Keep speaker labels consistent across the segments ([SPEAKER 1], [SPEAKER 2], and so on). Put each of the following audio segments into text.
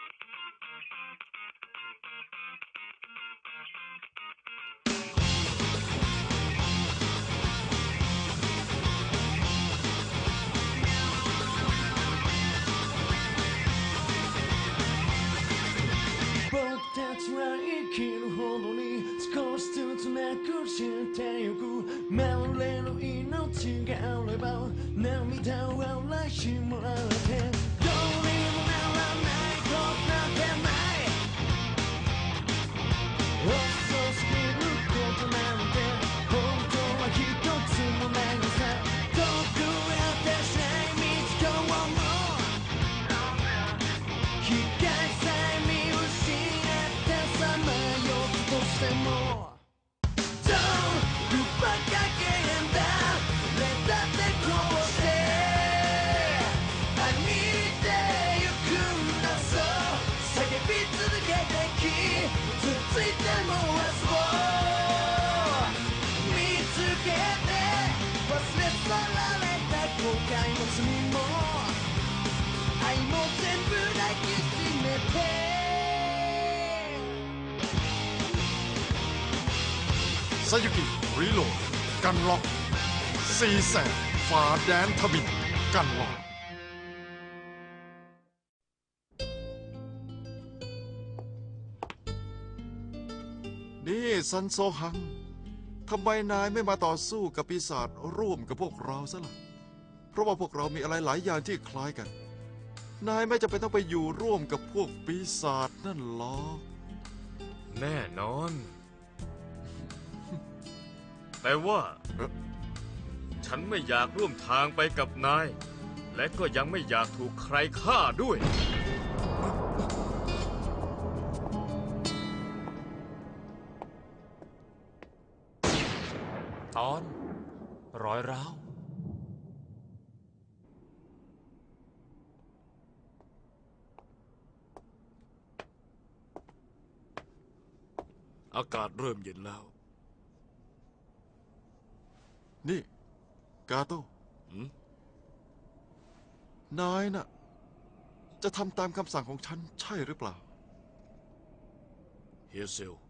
[SPEAKER 1] たちは生きるほどに少しずつなくしてゆく流れる命があれば涙を洗いしもらってどうにもならないことなんてない遅すぎることなんて本当は一つもないのさ遠くやってしない道今日も光さえ見失ってさまようとしてもどうバカげんだ俺だってこうして歩いてゆくんだそう叫び続けてきつついても明日を見つけて忘れ去られた後悔も罪も愛も全部抱きしめて
[SPEAKER 2] ซายุกิรีโหลดกันล็อกซีแสบฝ่าแดนทบินกันล็อกนี่ซันโซฮังทำไมนายไม่มาต่อสู้กับปีศาจร่วมกับพวกเราซะล่ะเพราะว่าพวกเรามีอะไรหลายอย่างที่คล้ายกันนายไม่จำเป็นต้องไปอยู่ร่วมกับพวกปีศาจนั่นหรอก
[SPEAKER 3] แน่นอน แต่ว่าฉันไม่อยากร่วมทางไปกับนายและก็ยังไม่อยากถูกใครฆ่าด้วย
[SPEAKER 4] ตอนรอยร้าว
[SPEAKER 5] อากาศเริ่มเย็นแล้ว
[SPEAKER 2] นี่กาโต้นายน่ะจะทำตามคำสั่งของฉันใช่หรือเปล่า
[SPEAKER 5] เฮียเซล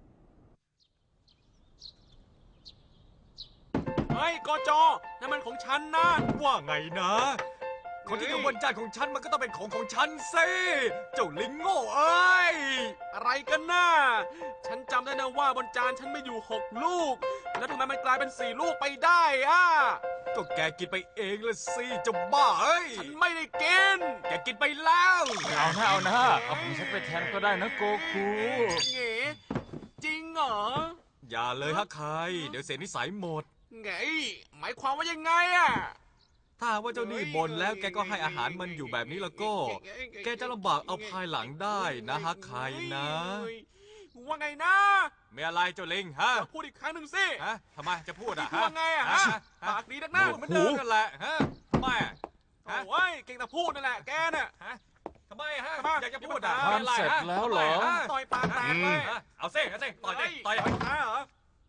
[SPEAKER 4] เฮ้ยกจนั่นมันของฉันนะว่าไงนะคนที่อยู่บนจานของฉันมันก็ต้องเป็นของฉันสิเจ้าลิงโง่เอ้ยอะไรกันน่ะฉันจำได้นะว่าบนจานฉันไม่อยู่6 ลูกแล้วทำไมมันกลายเป็น4 ลูกไปได้อะก็แกกินไปเองละสิเจ้าบ้าเอ้ยฉันไม่ได้กินแกกินไปแล้วเอานะเอาของฉันไปแทนก็ได้นะโกคูเก๋จริงเหรออย่าเลยฮะใครเดี๋ยวเสียนิสัยหมดไงหมายความว่ายังไงอะถ้าว่าเจ้านี่บ่นแล้วแกก็ให้อาหารมันอยู่แบบนี้แล้วก็แกจะลำบากเอาภายหลังได้นะฮะใครนะว่าไงนะไม่อะไรเจ้าลิงฮะพูดอีกครั้งหนึ่งสิฮะทำไมจะพูดอะว่าไงอะฮะปากดีนักหน้าเหมือนเดิมนั่นแหละฮะทำไมอะโอ้ยเก่งแต่พูดนั่นแหละแกน่ะฮะทำไมฮะอยากจะพูดอะ
[SPEAKER 1] ทำเสร็จแล้วเหรอ
[SPEAKER 4] ต่อยปากแตกเลยเอาสิต่อยเหรอ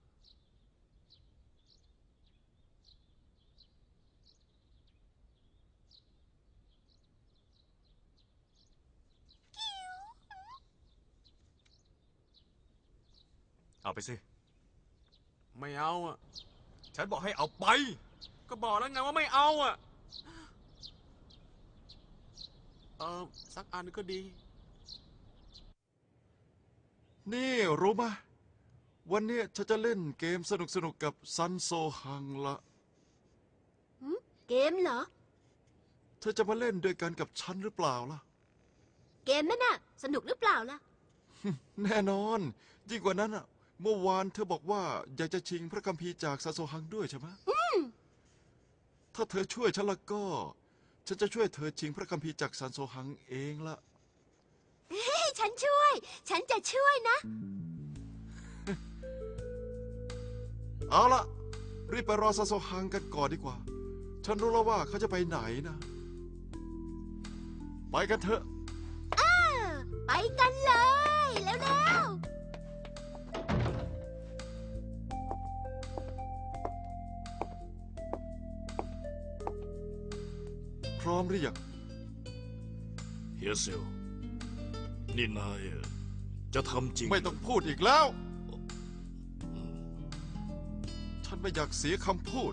[SPEAKER 4] เอาไปสิไม่เอาอ่ะฉันบอกให้เอาไปก็บอกแล้วไงว่าไม่เอาอ่ะสักอันก็ดี
[SPEAKER 2] นี่รู้ไหมวันนี้ฉันจะเล่นเกมสนุกกับซันโซฮังละ
[SPEAKER 6] เกมเหรอ
[SPEAKER 2] เธอจะมาเล่นด้วยกันกับฉันหรือเปล่าล่ะ
[SPEAKER 6] เกมนั่นน่ะสนุกหรือเปล่าล่ะ
[SPEAKER 2] แน่นอนยิ่งกว่านั้นอ่ะเมื่อวานเธอบอกว่าอยากจะชิงพระคัมภีร์จากซันโซฮังด้วยใช่ไหมถ้าเธอช่วยฉันละก็ฉันจะช่วยเธอชิงพระคัมภีร์จากซันโซฮังเองละ
[SPEAKER 6] ฉันจะช่วยนะ
[SPEAKER 2] เอาละรีบไปรอซันโซฮังกันก่อนดีกว่าฉันรู้แล้วว่าเขาจะไปไหนนะไปกันเถอะ
[SPEAKER 6] ไปกันเลยแล้ว
[SPEAKER 2] พร้อมหรือยัง
[SPEAKER 5] เฮียเซลนี่นายจะทำจริง
[SPEAKER 2] ไม่ต้องพูดอีกแล้ว ฉันไม่อยากเสียคำพูด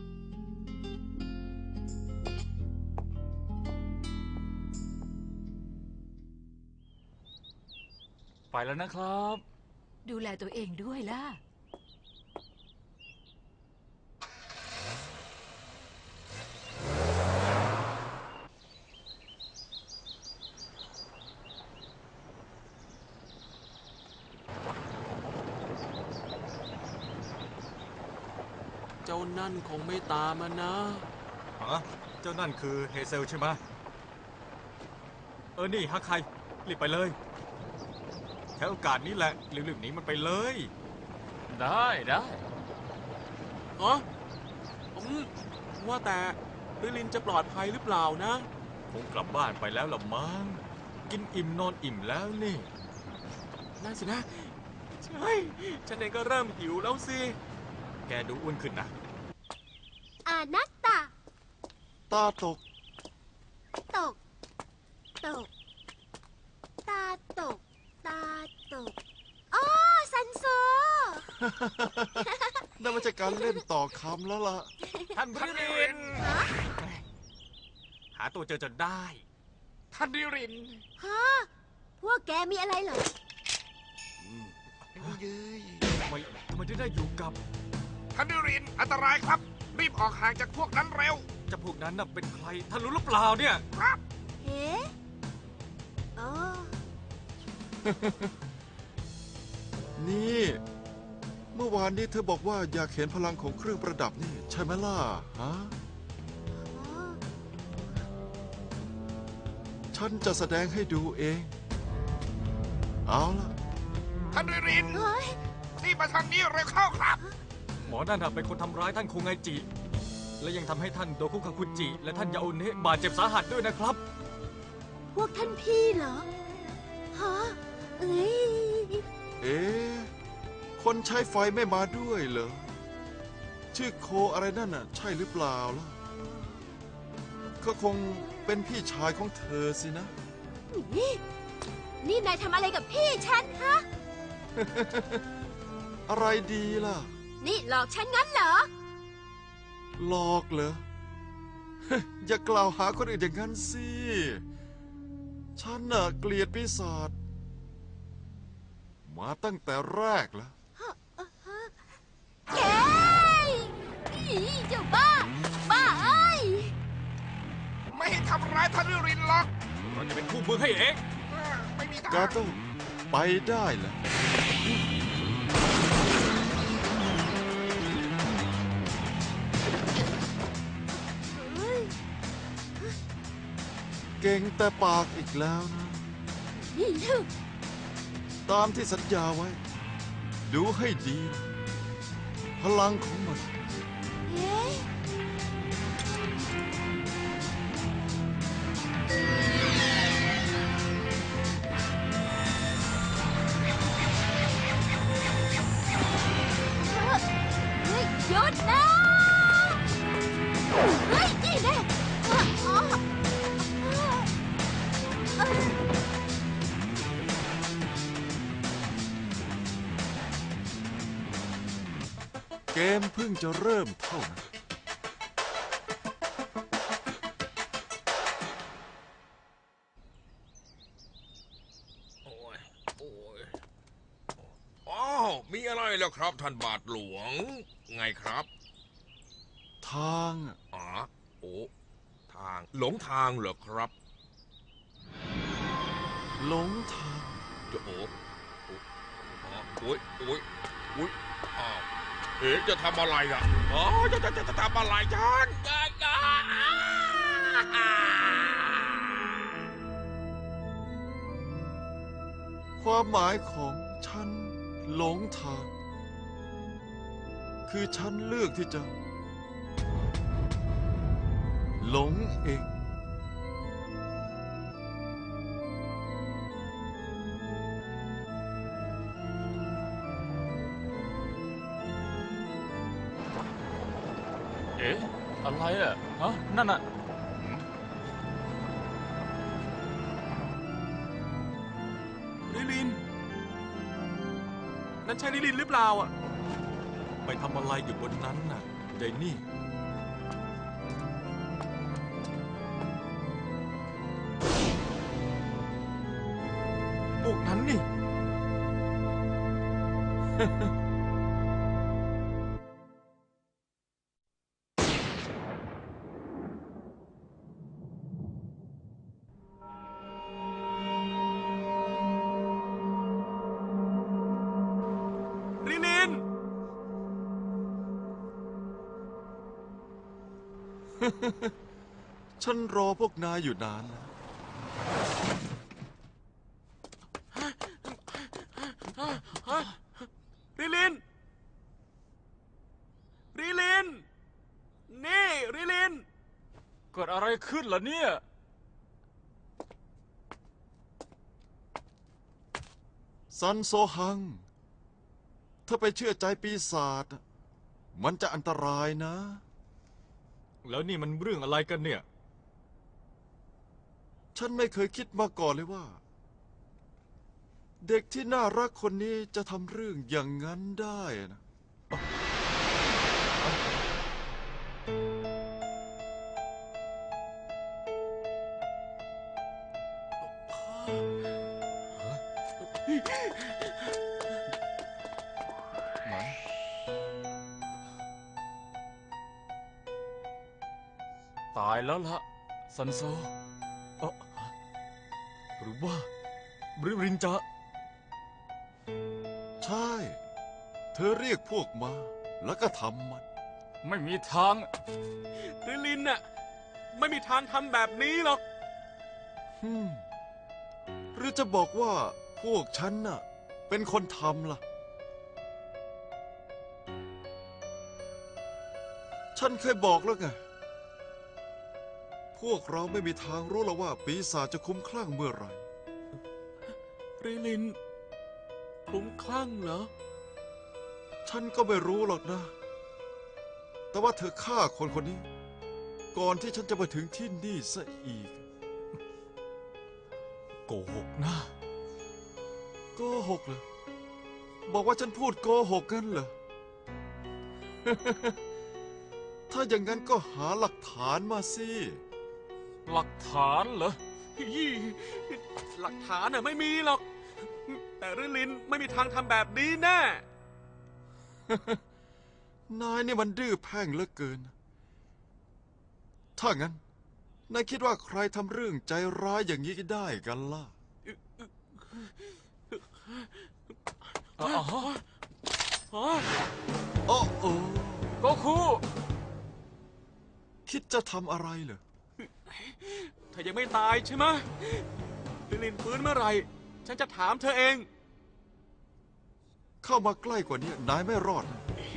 [SPEAKER 4] ไปแล้วนะครับ
[SPEAKER 7] ดูแลตัวเองด้วยล่ะ
[SPEAKER 8] เจ้านั่นคงไม่ตามมานะ
[SPEAKER 4] ฮะ เจ้านั่นคือเฮเซลใช่ไหมนี่ฮักใครรีบไปเลยแค่โอกาสนี้แหละรีบๆหนีมันไปเลย
[SPEAKER 3] ได้ได้
[SPEAKER 8] ฮะว่าแต่ลิลินจะปลอดภัยหรือเปล่านะ
[SPEAKER 4] คงกลับบ้านไปแล้วละมั้ง กินอิ่มนอนอิ่มแล้วนี่
[SPEAKER 8] นั่นสินะ ใช่ ฉันเองก็เริ่มหิวแล้วสิ
[SPEAKER 4] แกดูอ้วนขึ้นนะ
[SPEAKER 6] อานัตตา
[SPEAKER 2] ตาตก
[SPEAKER 6] ตก ตก ตาตก ตาตกอ๋อซันโซ
[SPEAKER 2] นั่นไม่ใช่การเล่นต่อคำแล้วล่ะ
[SPEAKER 4] ท่านริริน หาตัวเจอจนได้
[SPEAKER 3] ท่านดิริน
[SPEAKER 6] ฮะ พวกแกมีอะไรเหรอ
[SPEAKER 4] ทำไมถึงได้อยู่กับ
[SPEAKER 3] ท่านดิริน อันตรายครับ รีบออกห่างจากพวกนั้นเร็ว
[SPEAKER 4] เจ้าพวกนั้นน่ะเป็นใคร ท่านรู้หรือเปล่าเนี่ย
[SPEAKER 6] เฮ้อ๋อ
[SPEAKER 2] นี่ เมื่อวานนี้เธอบอกว่าอยากเห็นพลังของเครื่องประดับนี่ ใช่ไหมล่ะ ฮะ
[SPEAKER 6] อ๋อ
[SPEAKER 2] ฉันจะแสดงให้ดูเอง เอาล่ะ
[SPEAKER 3] ท่านดิริน
[SPEAKER 6] เฮ้ย
[SPEAKER 3] รีบมาทางนี้เร็วเข้าครับ
[SPEAKER 4] หมอนั่นน่ะเป็นคนทำร้ายท่านคุงไงจิ และยังทำให้ท่านโดคุคาคุจิ และท่านยาโอเนะบาดเจ็บสาหัสด้วยนะครับ
[SPEAKER 6] พวกท่านพี่เหรอ ฮะ เอ้ย
[SPEAKER 2] เอ๊ะ คนใช้ไฟไม่มาด้วยเหรอ ชื่อโคอะไรนั่นน่ะ ใช่หรือเปล่าล่ะก็คงเป็นพี่ชายของเธอสินะ
[SPEAKER 6] นี่นายทำอะไรกับพี่ฉันฮะ
[SPEAKER 2] อะไรดีล่ะ
[SPEAKER 6] นี่หลอกฉันงั้นเหรอ
[SPEAKER 2] หลอกเหรอ อย่ากล่าวหาคนอื่นอย่างนั้นสิ ฉันน่ะเกลียดปีศาจมาตั้งแต่แรกแล้ว
[SPEAKER 6] แกอีเจ้าบ้า บ้าเอ้ย
[SPEAKER 3] ไม่ให้ทำร้ายท่านดิรินหรอก
[SPEAKER 4] เราจะเป็นคู่มือให้เอง
[SPEAKER 3] ไม่มีทาง
[SPEAKER 2] กาโต้ไปได้แล้ว เก่งแต่ปากอีกแล้วนะ
[SPEAKER 6] นี่ลูก
[SPEAKER 2] ตามที่สัญญาไว้ ดูให้ดี พลังของมัน
[SPEAKER 6] เอ๊ะเฮ้ยหยุดนะเฮ้ยนี่แน่อ๋อเอ้ย
[SPEAKER 2] เกมเพิ่งจะเริ่มเท่านั้น
[SPEAKER 9] อ้าวมีอะไรแล้วครับท่านบาทหลวง ไงครับ
[SPEAKER 2] ทางอะ
[SPEAKER 9] อ๋อโอ้ทางหลงทางเหรอครับ
[SPEAKER 2] หลงทาง
[SPEAKER 9] จะโอ้โอ้ยโอ้ยโอ้ยอ้าวเอ๋จะทำอะไรอ่ะอ๋อจะทำอะไรฉัน
[SPEAKER 2] ความหมายของฉันหลงทาง คือฉันเลือกที่จะ หลงเอง
[SPEAKER 3] เอ๊ะ อะไรอ่ะ ฮะ นั่นอ่ะ
[SPEAKER 8] รินั่นใช่ลิลินหรือเปล่าอ่ะ
[SPEAKER 4] ไปทำอะไรอยู่บนนั้นน่ะเดนี่ พวกนั้นนี่
[SPEAKER 8] ลิลิน
[SPEAKER 2] ฉันรอพวกนายอยู่นานแล้ว
[SPEAKER 8] ลิลิน ลิลิน นี่ลิลิน
[SPEAKER 4] เกิดอะไรขึ้นล่ะเนี่ย
[SPEAKER 2] ซันโซฮัง ถ้าไปเชื่อใจปีศาจมันจะอันตรายนะ
[SPEAKER 4] แล้วนี่มันเรื่องอะไรกันเนี่ย
[SPEAKER 2] ฉันไม่เคยคิดมาก่อนเลยว่า เด็กที่น่ารักคนนี้จะทำเรื่องอย่างนั้นได้นะ
[SPEAKER 4] ตายแล้วละซันโซหรือว่าบริรินจะ
[SPEAKER 2] ใช่ เธอเรียกพวกมา แล้วก็ทำมัน
[SPEAKER 4] ไม่มีทาง
[SPEAKER 8] ลิลินน่ะ ไม่มีทางทำแบบนี้หรอก
[SPEAKER 2] หรือจะบอกว่าพวกฉันน่ะ เป็นคนทำล่ะ ฉันเคยบอกแล้วไง พวกเราไม่มีทางรู้หรอกว่าปีศาจจะคุ้มคลั่งเมื่อไหร่
[SPEAKER 8] ลิลินคลุ้มคลั่งเหรอ
[SPEAKER 2] ฉันก็ไม่รู้หรอกนะ แต่ว่าเธอฆ่าคนคนนี้ ก่อนที่ฉันจะมาถึงที่นี่ซะอีก
[SPEAKER 4] โกหกนะ
[SPEAKER 2] โกหกเหรอ บอกว่าฉันพูดโกหกกันเหรอ ถ้าอย่างนั้นก็หาหลักฐานมาสิ
[SPEAKER 4] หลักฐานเหรอ
[SPEAKER 8] หลักฐานน่ะไม่มีหรอก แต่ลิลินไม่มีทางทำแบบนี้แน่
[SPEAKER 2] นายนี่มันดื้อแพ่งเหลือเกิน ถ้างั้น นายคิดว่าใครทำเรื่องใจร้ายอย่างนี้ได้กันล่ะ
[SPEAKER 4] อ๋อ
[SPEAKER 2] โอ้โอ้
[SPEAKER 4] โกคู
[SPEAKER 2] คิดจะทำอะไรเหรอ
[SPEAKER 8] เธอยังไม่ตายใช่ไหมลิลินฟื้นเมื่อไหร่ ฉันจะถามเธอเอง
[SPEAKER 2] เข้ามาใกล้กว่านี้นายไม่รอดนะ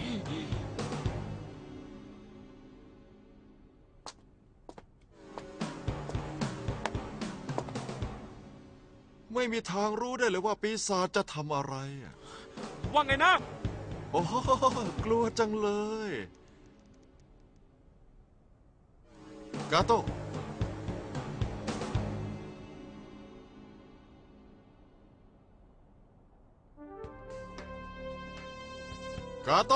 [SPEAKER 2] ไม่มีทางรู้ได้เลยว่าปีศาจจะทำอะไรอะ
[SPEAKER 8] ว่าไงนะ
[SPEAKER 2] โอ้โหกลัวจังเลย กาโต กาโต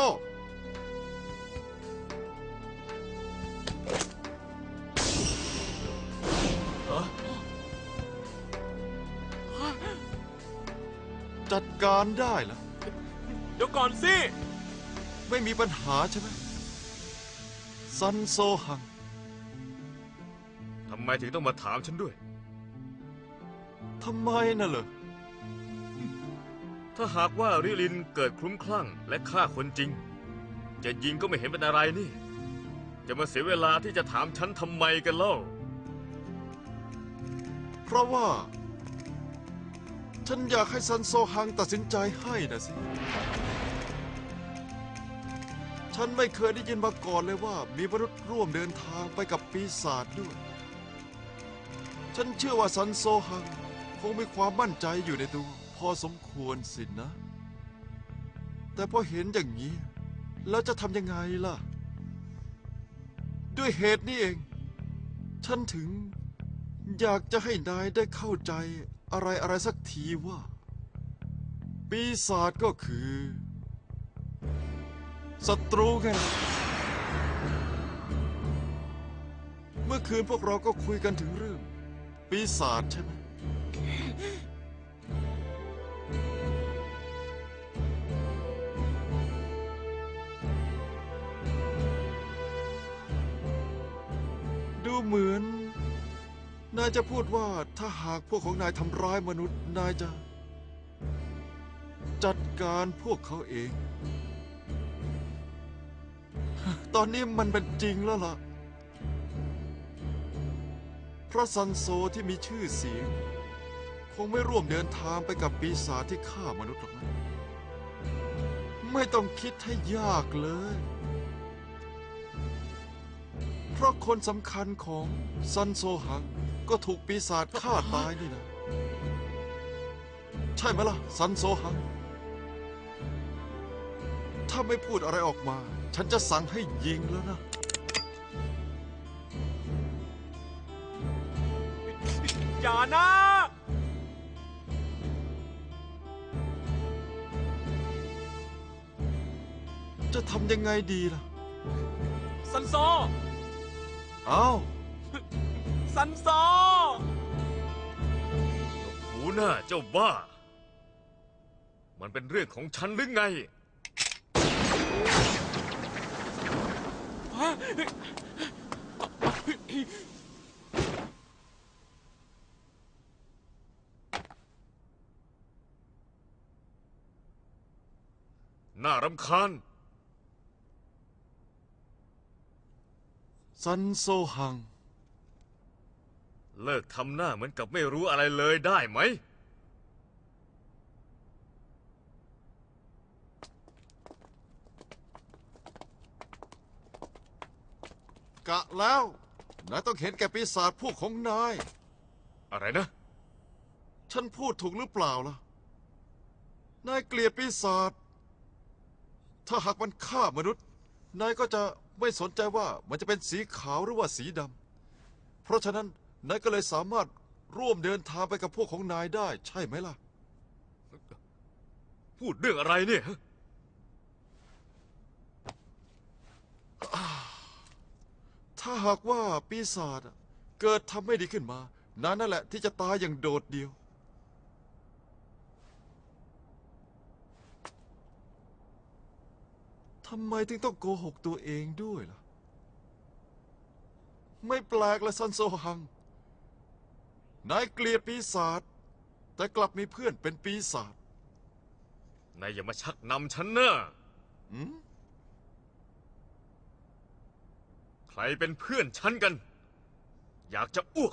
[SPEAKER 2] จัดการได้แล้ว
[SPEAKER 8] เดี๋ยวก่อนสิ
[SPEAKER 2] ไม่มีปัญหาใช่ไหมซันโซฮัง
[SPEAKER 3] ทำไมถึงต้องมาถามฉันด้วย
[SPEAKER 2] ทำไมน่ะเหรอ
[SPEAKER 3] ถ้าหากว่าริลินเกิดคลุ้มคลั่งและฆ่าคนจริง จะยิงก็ไม่เห็นเป็นอะไรนี่ จะมาเสียเวลาที่จะถามฉันทำไมกันเล่า
[SPEAKER 2] เพราะว่า ฉันอยากให้ซันโซฮังตัดสินใจให้นะสิ ฉันไม่เคยได้ยินมาก่อนเลยว่ามีมนุษย์ร่วมเดินทางไปกับปีศาจด้วย ฉันเชื่อว่าซันโซฮังคงมีความมั่นใจอยู่ในตัวพอสมควรสินะ แต่พอเห็นอย่างนี้ แล้วจะทำยังไงล่ะ ด้วยเหตุนี้เอง ฉันถึงอยากจะให้นายได้เข้าใจอะไรสักทีว่าปีศาจก็คือศัตรูไงล่ะเมื่อคืนพวกเราก็คุยกันถึงเรื่องปีศาจใช่ไหมดูเหมือนนายจะพูดว่าถ้าหากพวกของนายทำร้ายมนุษย์นายจะจัดการพวกเขาเอง ตอนนี้มันเป็นจริงแล้วล่ะพระซันโซที่มีชื่อเสียงคงไม่ร่วมเดินทางไปกับปีศาจที่ฆ่ามนุษย์หรอกนะไม่ต้องคิดให้ยากเลยเพราะคนสำคัญของซันโซหังก็ถูกปีศาจฆ่าตายนี่นะใช่ไหมล่ะซันโซหังถ้าไม่พูดอะไรออกมาฉันจะสั่งให้ยิงแล้วนะ
[SPEAKER 8] อย่านะ
[SPEAKER 2] จะทำยังไงดีล่ะ
[SPEAKER 8] ซันโซ
[SPEAKER 2] อ้าว
[SPEAKER 8] ซันโซ
[SPEAKER 3] หูหน้าเจ้าบ้า มันเป็นเรื่องของฉันหรือไง น่ารำคาญ
[SPEAKER 2] ซันโซหัง
[SPEAKER 3] เลิกทำหน้าเหมือนกับไม่รู้อะไรเลยได้ไหม
[SPEAKER 2] กะแล้วนายต้องเห็นแก่ปีศาจพวกของนาย
[SPEAKER 3] อะไรนะ
[SPEAKER 2] ฉันพูดถูกหรือเปล่าล่ะ นายเกลียดปีศาจ ถ้าหากมันฆ่ามนุษย์ นายก็จะไม่สนใจว่ามันจะเป็นสีขาวหรือว่าสีดำ เพราะฉะนั้นนายก็เลยสามารถร่วมเดินทางไปกับพวกของนายได้ใช่ไหมล่ะ
[SPEAKER 3] พูดเรื่องอะไรเนี่ย
[SPEAKER 2] ถ้าหากว่าปีศาจเกิดทำไม่ดีขึ้นมา นั่นแหละที่จะตายอย่างโดดเดี่ยว ทำไมถึงต้องโกหกตัวเองด้วยล่ะ ไม่แปลกละซันโซฮัง นายเกลียดปีศาจแต่กลับมีเพื่อนเป็นปีศาจ
[SPEAKER 3] นายอย่ามาชักนำฉันนะ
[SPEAKER 2] อืม
[SPEAKER 3] ใครเป็นเพื่อนฉันกัน อยากจะอ้วก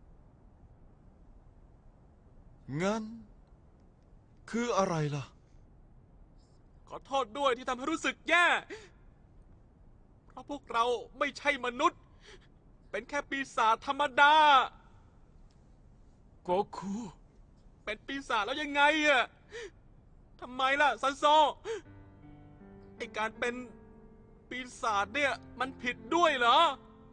[SPEAKER 2] งั้น คืออะไรล่ะ
[SPEAKER 8] ขอโทษด้วยที่ทำให้รู้สึกแย่ เพราะพวกเราไม่ใช่มนุษย์ เป็นแค่ปีศาจธรรมดา
[SPEAKER 4] โกคู
[SPEAKER 8] เป็นปีศาจแล้วยังไงอะทำไมล่ะซันโซ ไอการเป็นปีศาจเนี่ยมันผิดด้วยเหรอ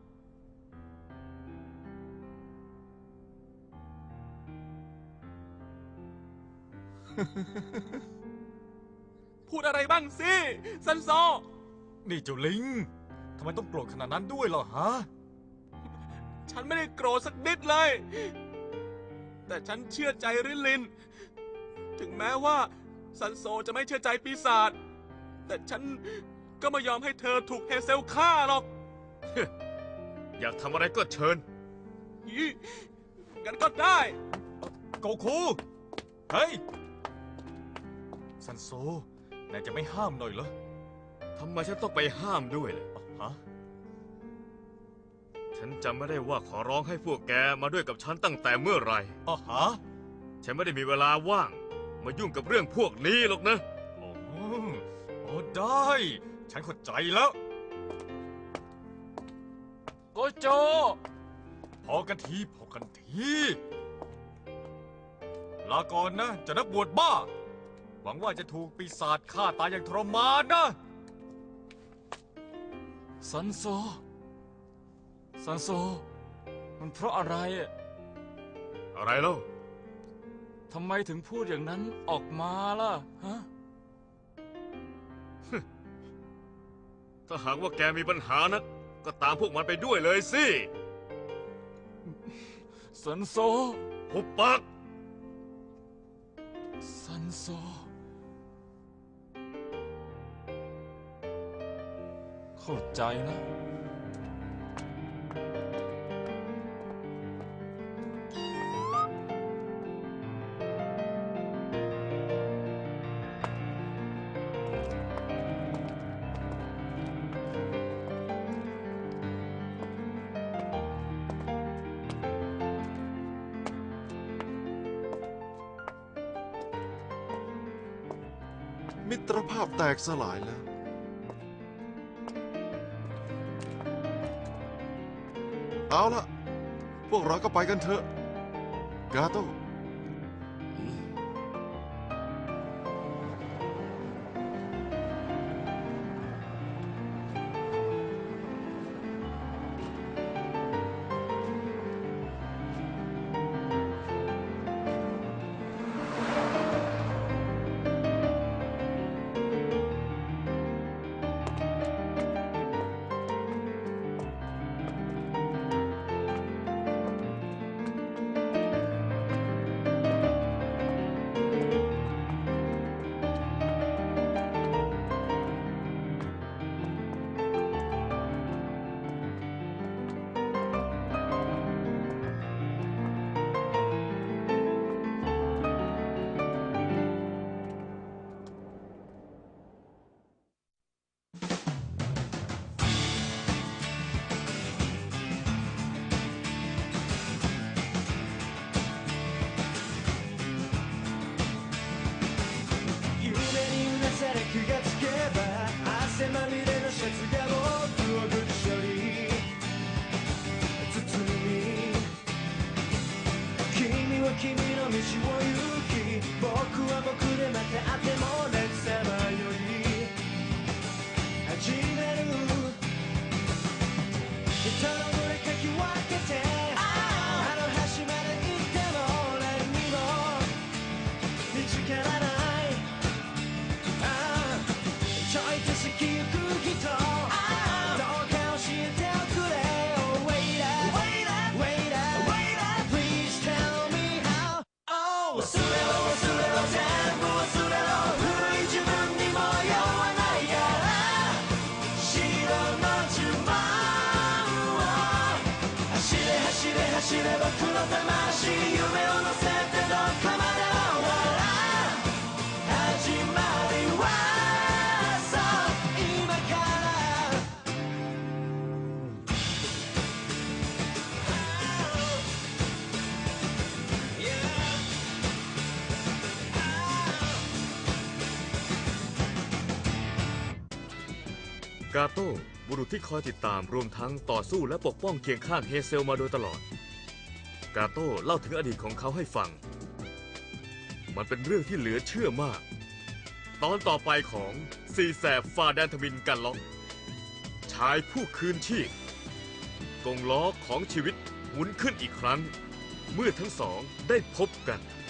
[SPEAKER 8] พูดอะไรบ้างสิซันโซ
[SPEAKER 4] นี่เจ้าลิง ทำไมต้องโกรธขนาดนั้นด้วยเหรอฮะ
[SPEAKER 8] ฉันไม่ได้โกรธสักนิดเลย แต่ฉันเชื่อใจริลิน ถึงแม้ว่าซันโซจะไม่เชื่อใจปีศาจ แต่ฉันก็ไม่ยอมให้เธอถูกเฮเซลฆ่าหรอก
[SPEAKER 3] อยากทำอะไรก็เชิญ
[SPEAKER 8] อีงั้นก็ได้
[SPEAKER 4] โกคู เฮ้ย ซันโซ นายจะไม่ห้ามหน่อยเหรอ
[SPEAKER 3] ทำไมฉันต้องไปห้ามด้วยเลย
[SPEAKER 4] ฮะ
[SPEAKER 3] ฉันจำไม่ได้ว่าขอร้องให้พวกแกมาด้วยกับฉันตั้งแต่เมื่อไหร่
[SPEAKER 4] อ๋อฮะ
[SPEAKER 3] ฉันไม่ได้มีเวลาว่าง มายุ่งกับเรื่องพวกนี้หรอกนะ
[SPEAKER 4] โอ้โอ้ได้ ฉันเข้าใจแล้ว โกโจ พอกันทีพอกันที ลาก่อนนะเจะนักบวชบ้า หวังว่าจะถูกปีศาจฆ่าตายอย่างทรมานนะ
[SPEAKER 10] ซันโซ มันเพราะอะไรอะ
[SPEAKER 3] อะไรเล่า
[SPEAKER 10] ทำไมถึงพูดอย่างนั้นออกมาล่ะฮะ
[SPEAKER 3] ถ้าหากว่าแกมีปัญหานะก็ตามพวกมันไปด้วยเลยสิ
[SPEAKER 10] ซันโซ
[SPEAKER 3] หุบปาก
[SPEAKER 10] ซันโซ เข้าใจนะ
[SPEAKER 2] มิตรภาพแตกสลายแล้ว เอาละพวกเราก็ไปกันเถอะ กาโต้
[SPEAKER 1] 夢にうなされ気がつけば汗まみれのシャツが僕をぐっしょり包み君は君の道を行き僕は僕でまた会ってもなくさまよい始める人の群れかき分けてあの端まで行っても何にも見つからないちょいと好きゆく人どうか教えておくれ Oh waiter waiter please tell me how Oh 忘れろ忘れろ全部忘れろ古い自分にも酔わないから白の呪文を走れ走れ走れ僕の魂夢を乗せてどこまでも始まりは今から
[SPEAKER 3] กาโต้บุรุษที่คอยติดตามรวมทั้งต่อสู้และปกป้องเคียงข้างเฮเซลมาโดยตลอด กาโต้เล่าถึงอดีตของเขาให้ฟัง มันเป็นเรื่องที่เหลือเชื่อมาก ตอนต่อไปของซีแสบฝ่าแดนทมินกันล็อกชายผู้คืนชีพกงล้อของชีวิตหมุนขึ้นอีกครั้ง เมื่อทั้งสองได้พบกัน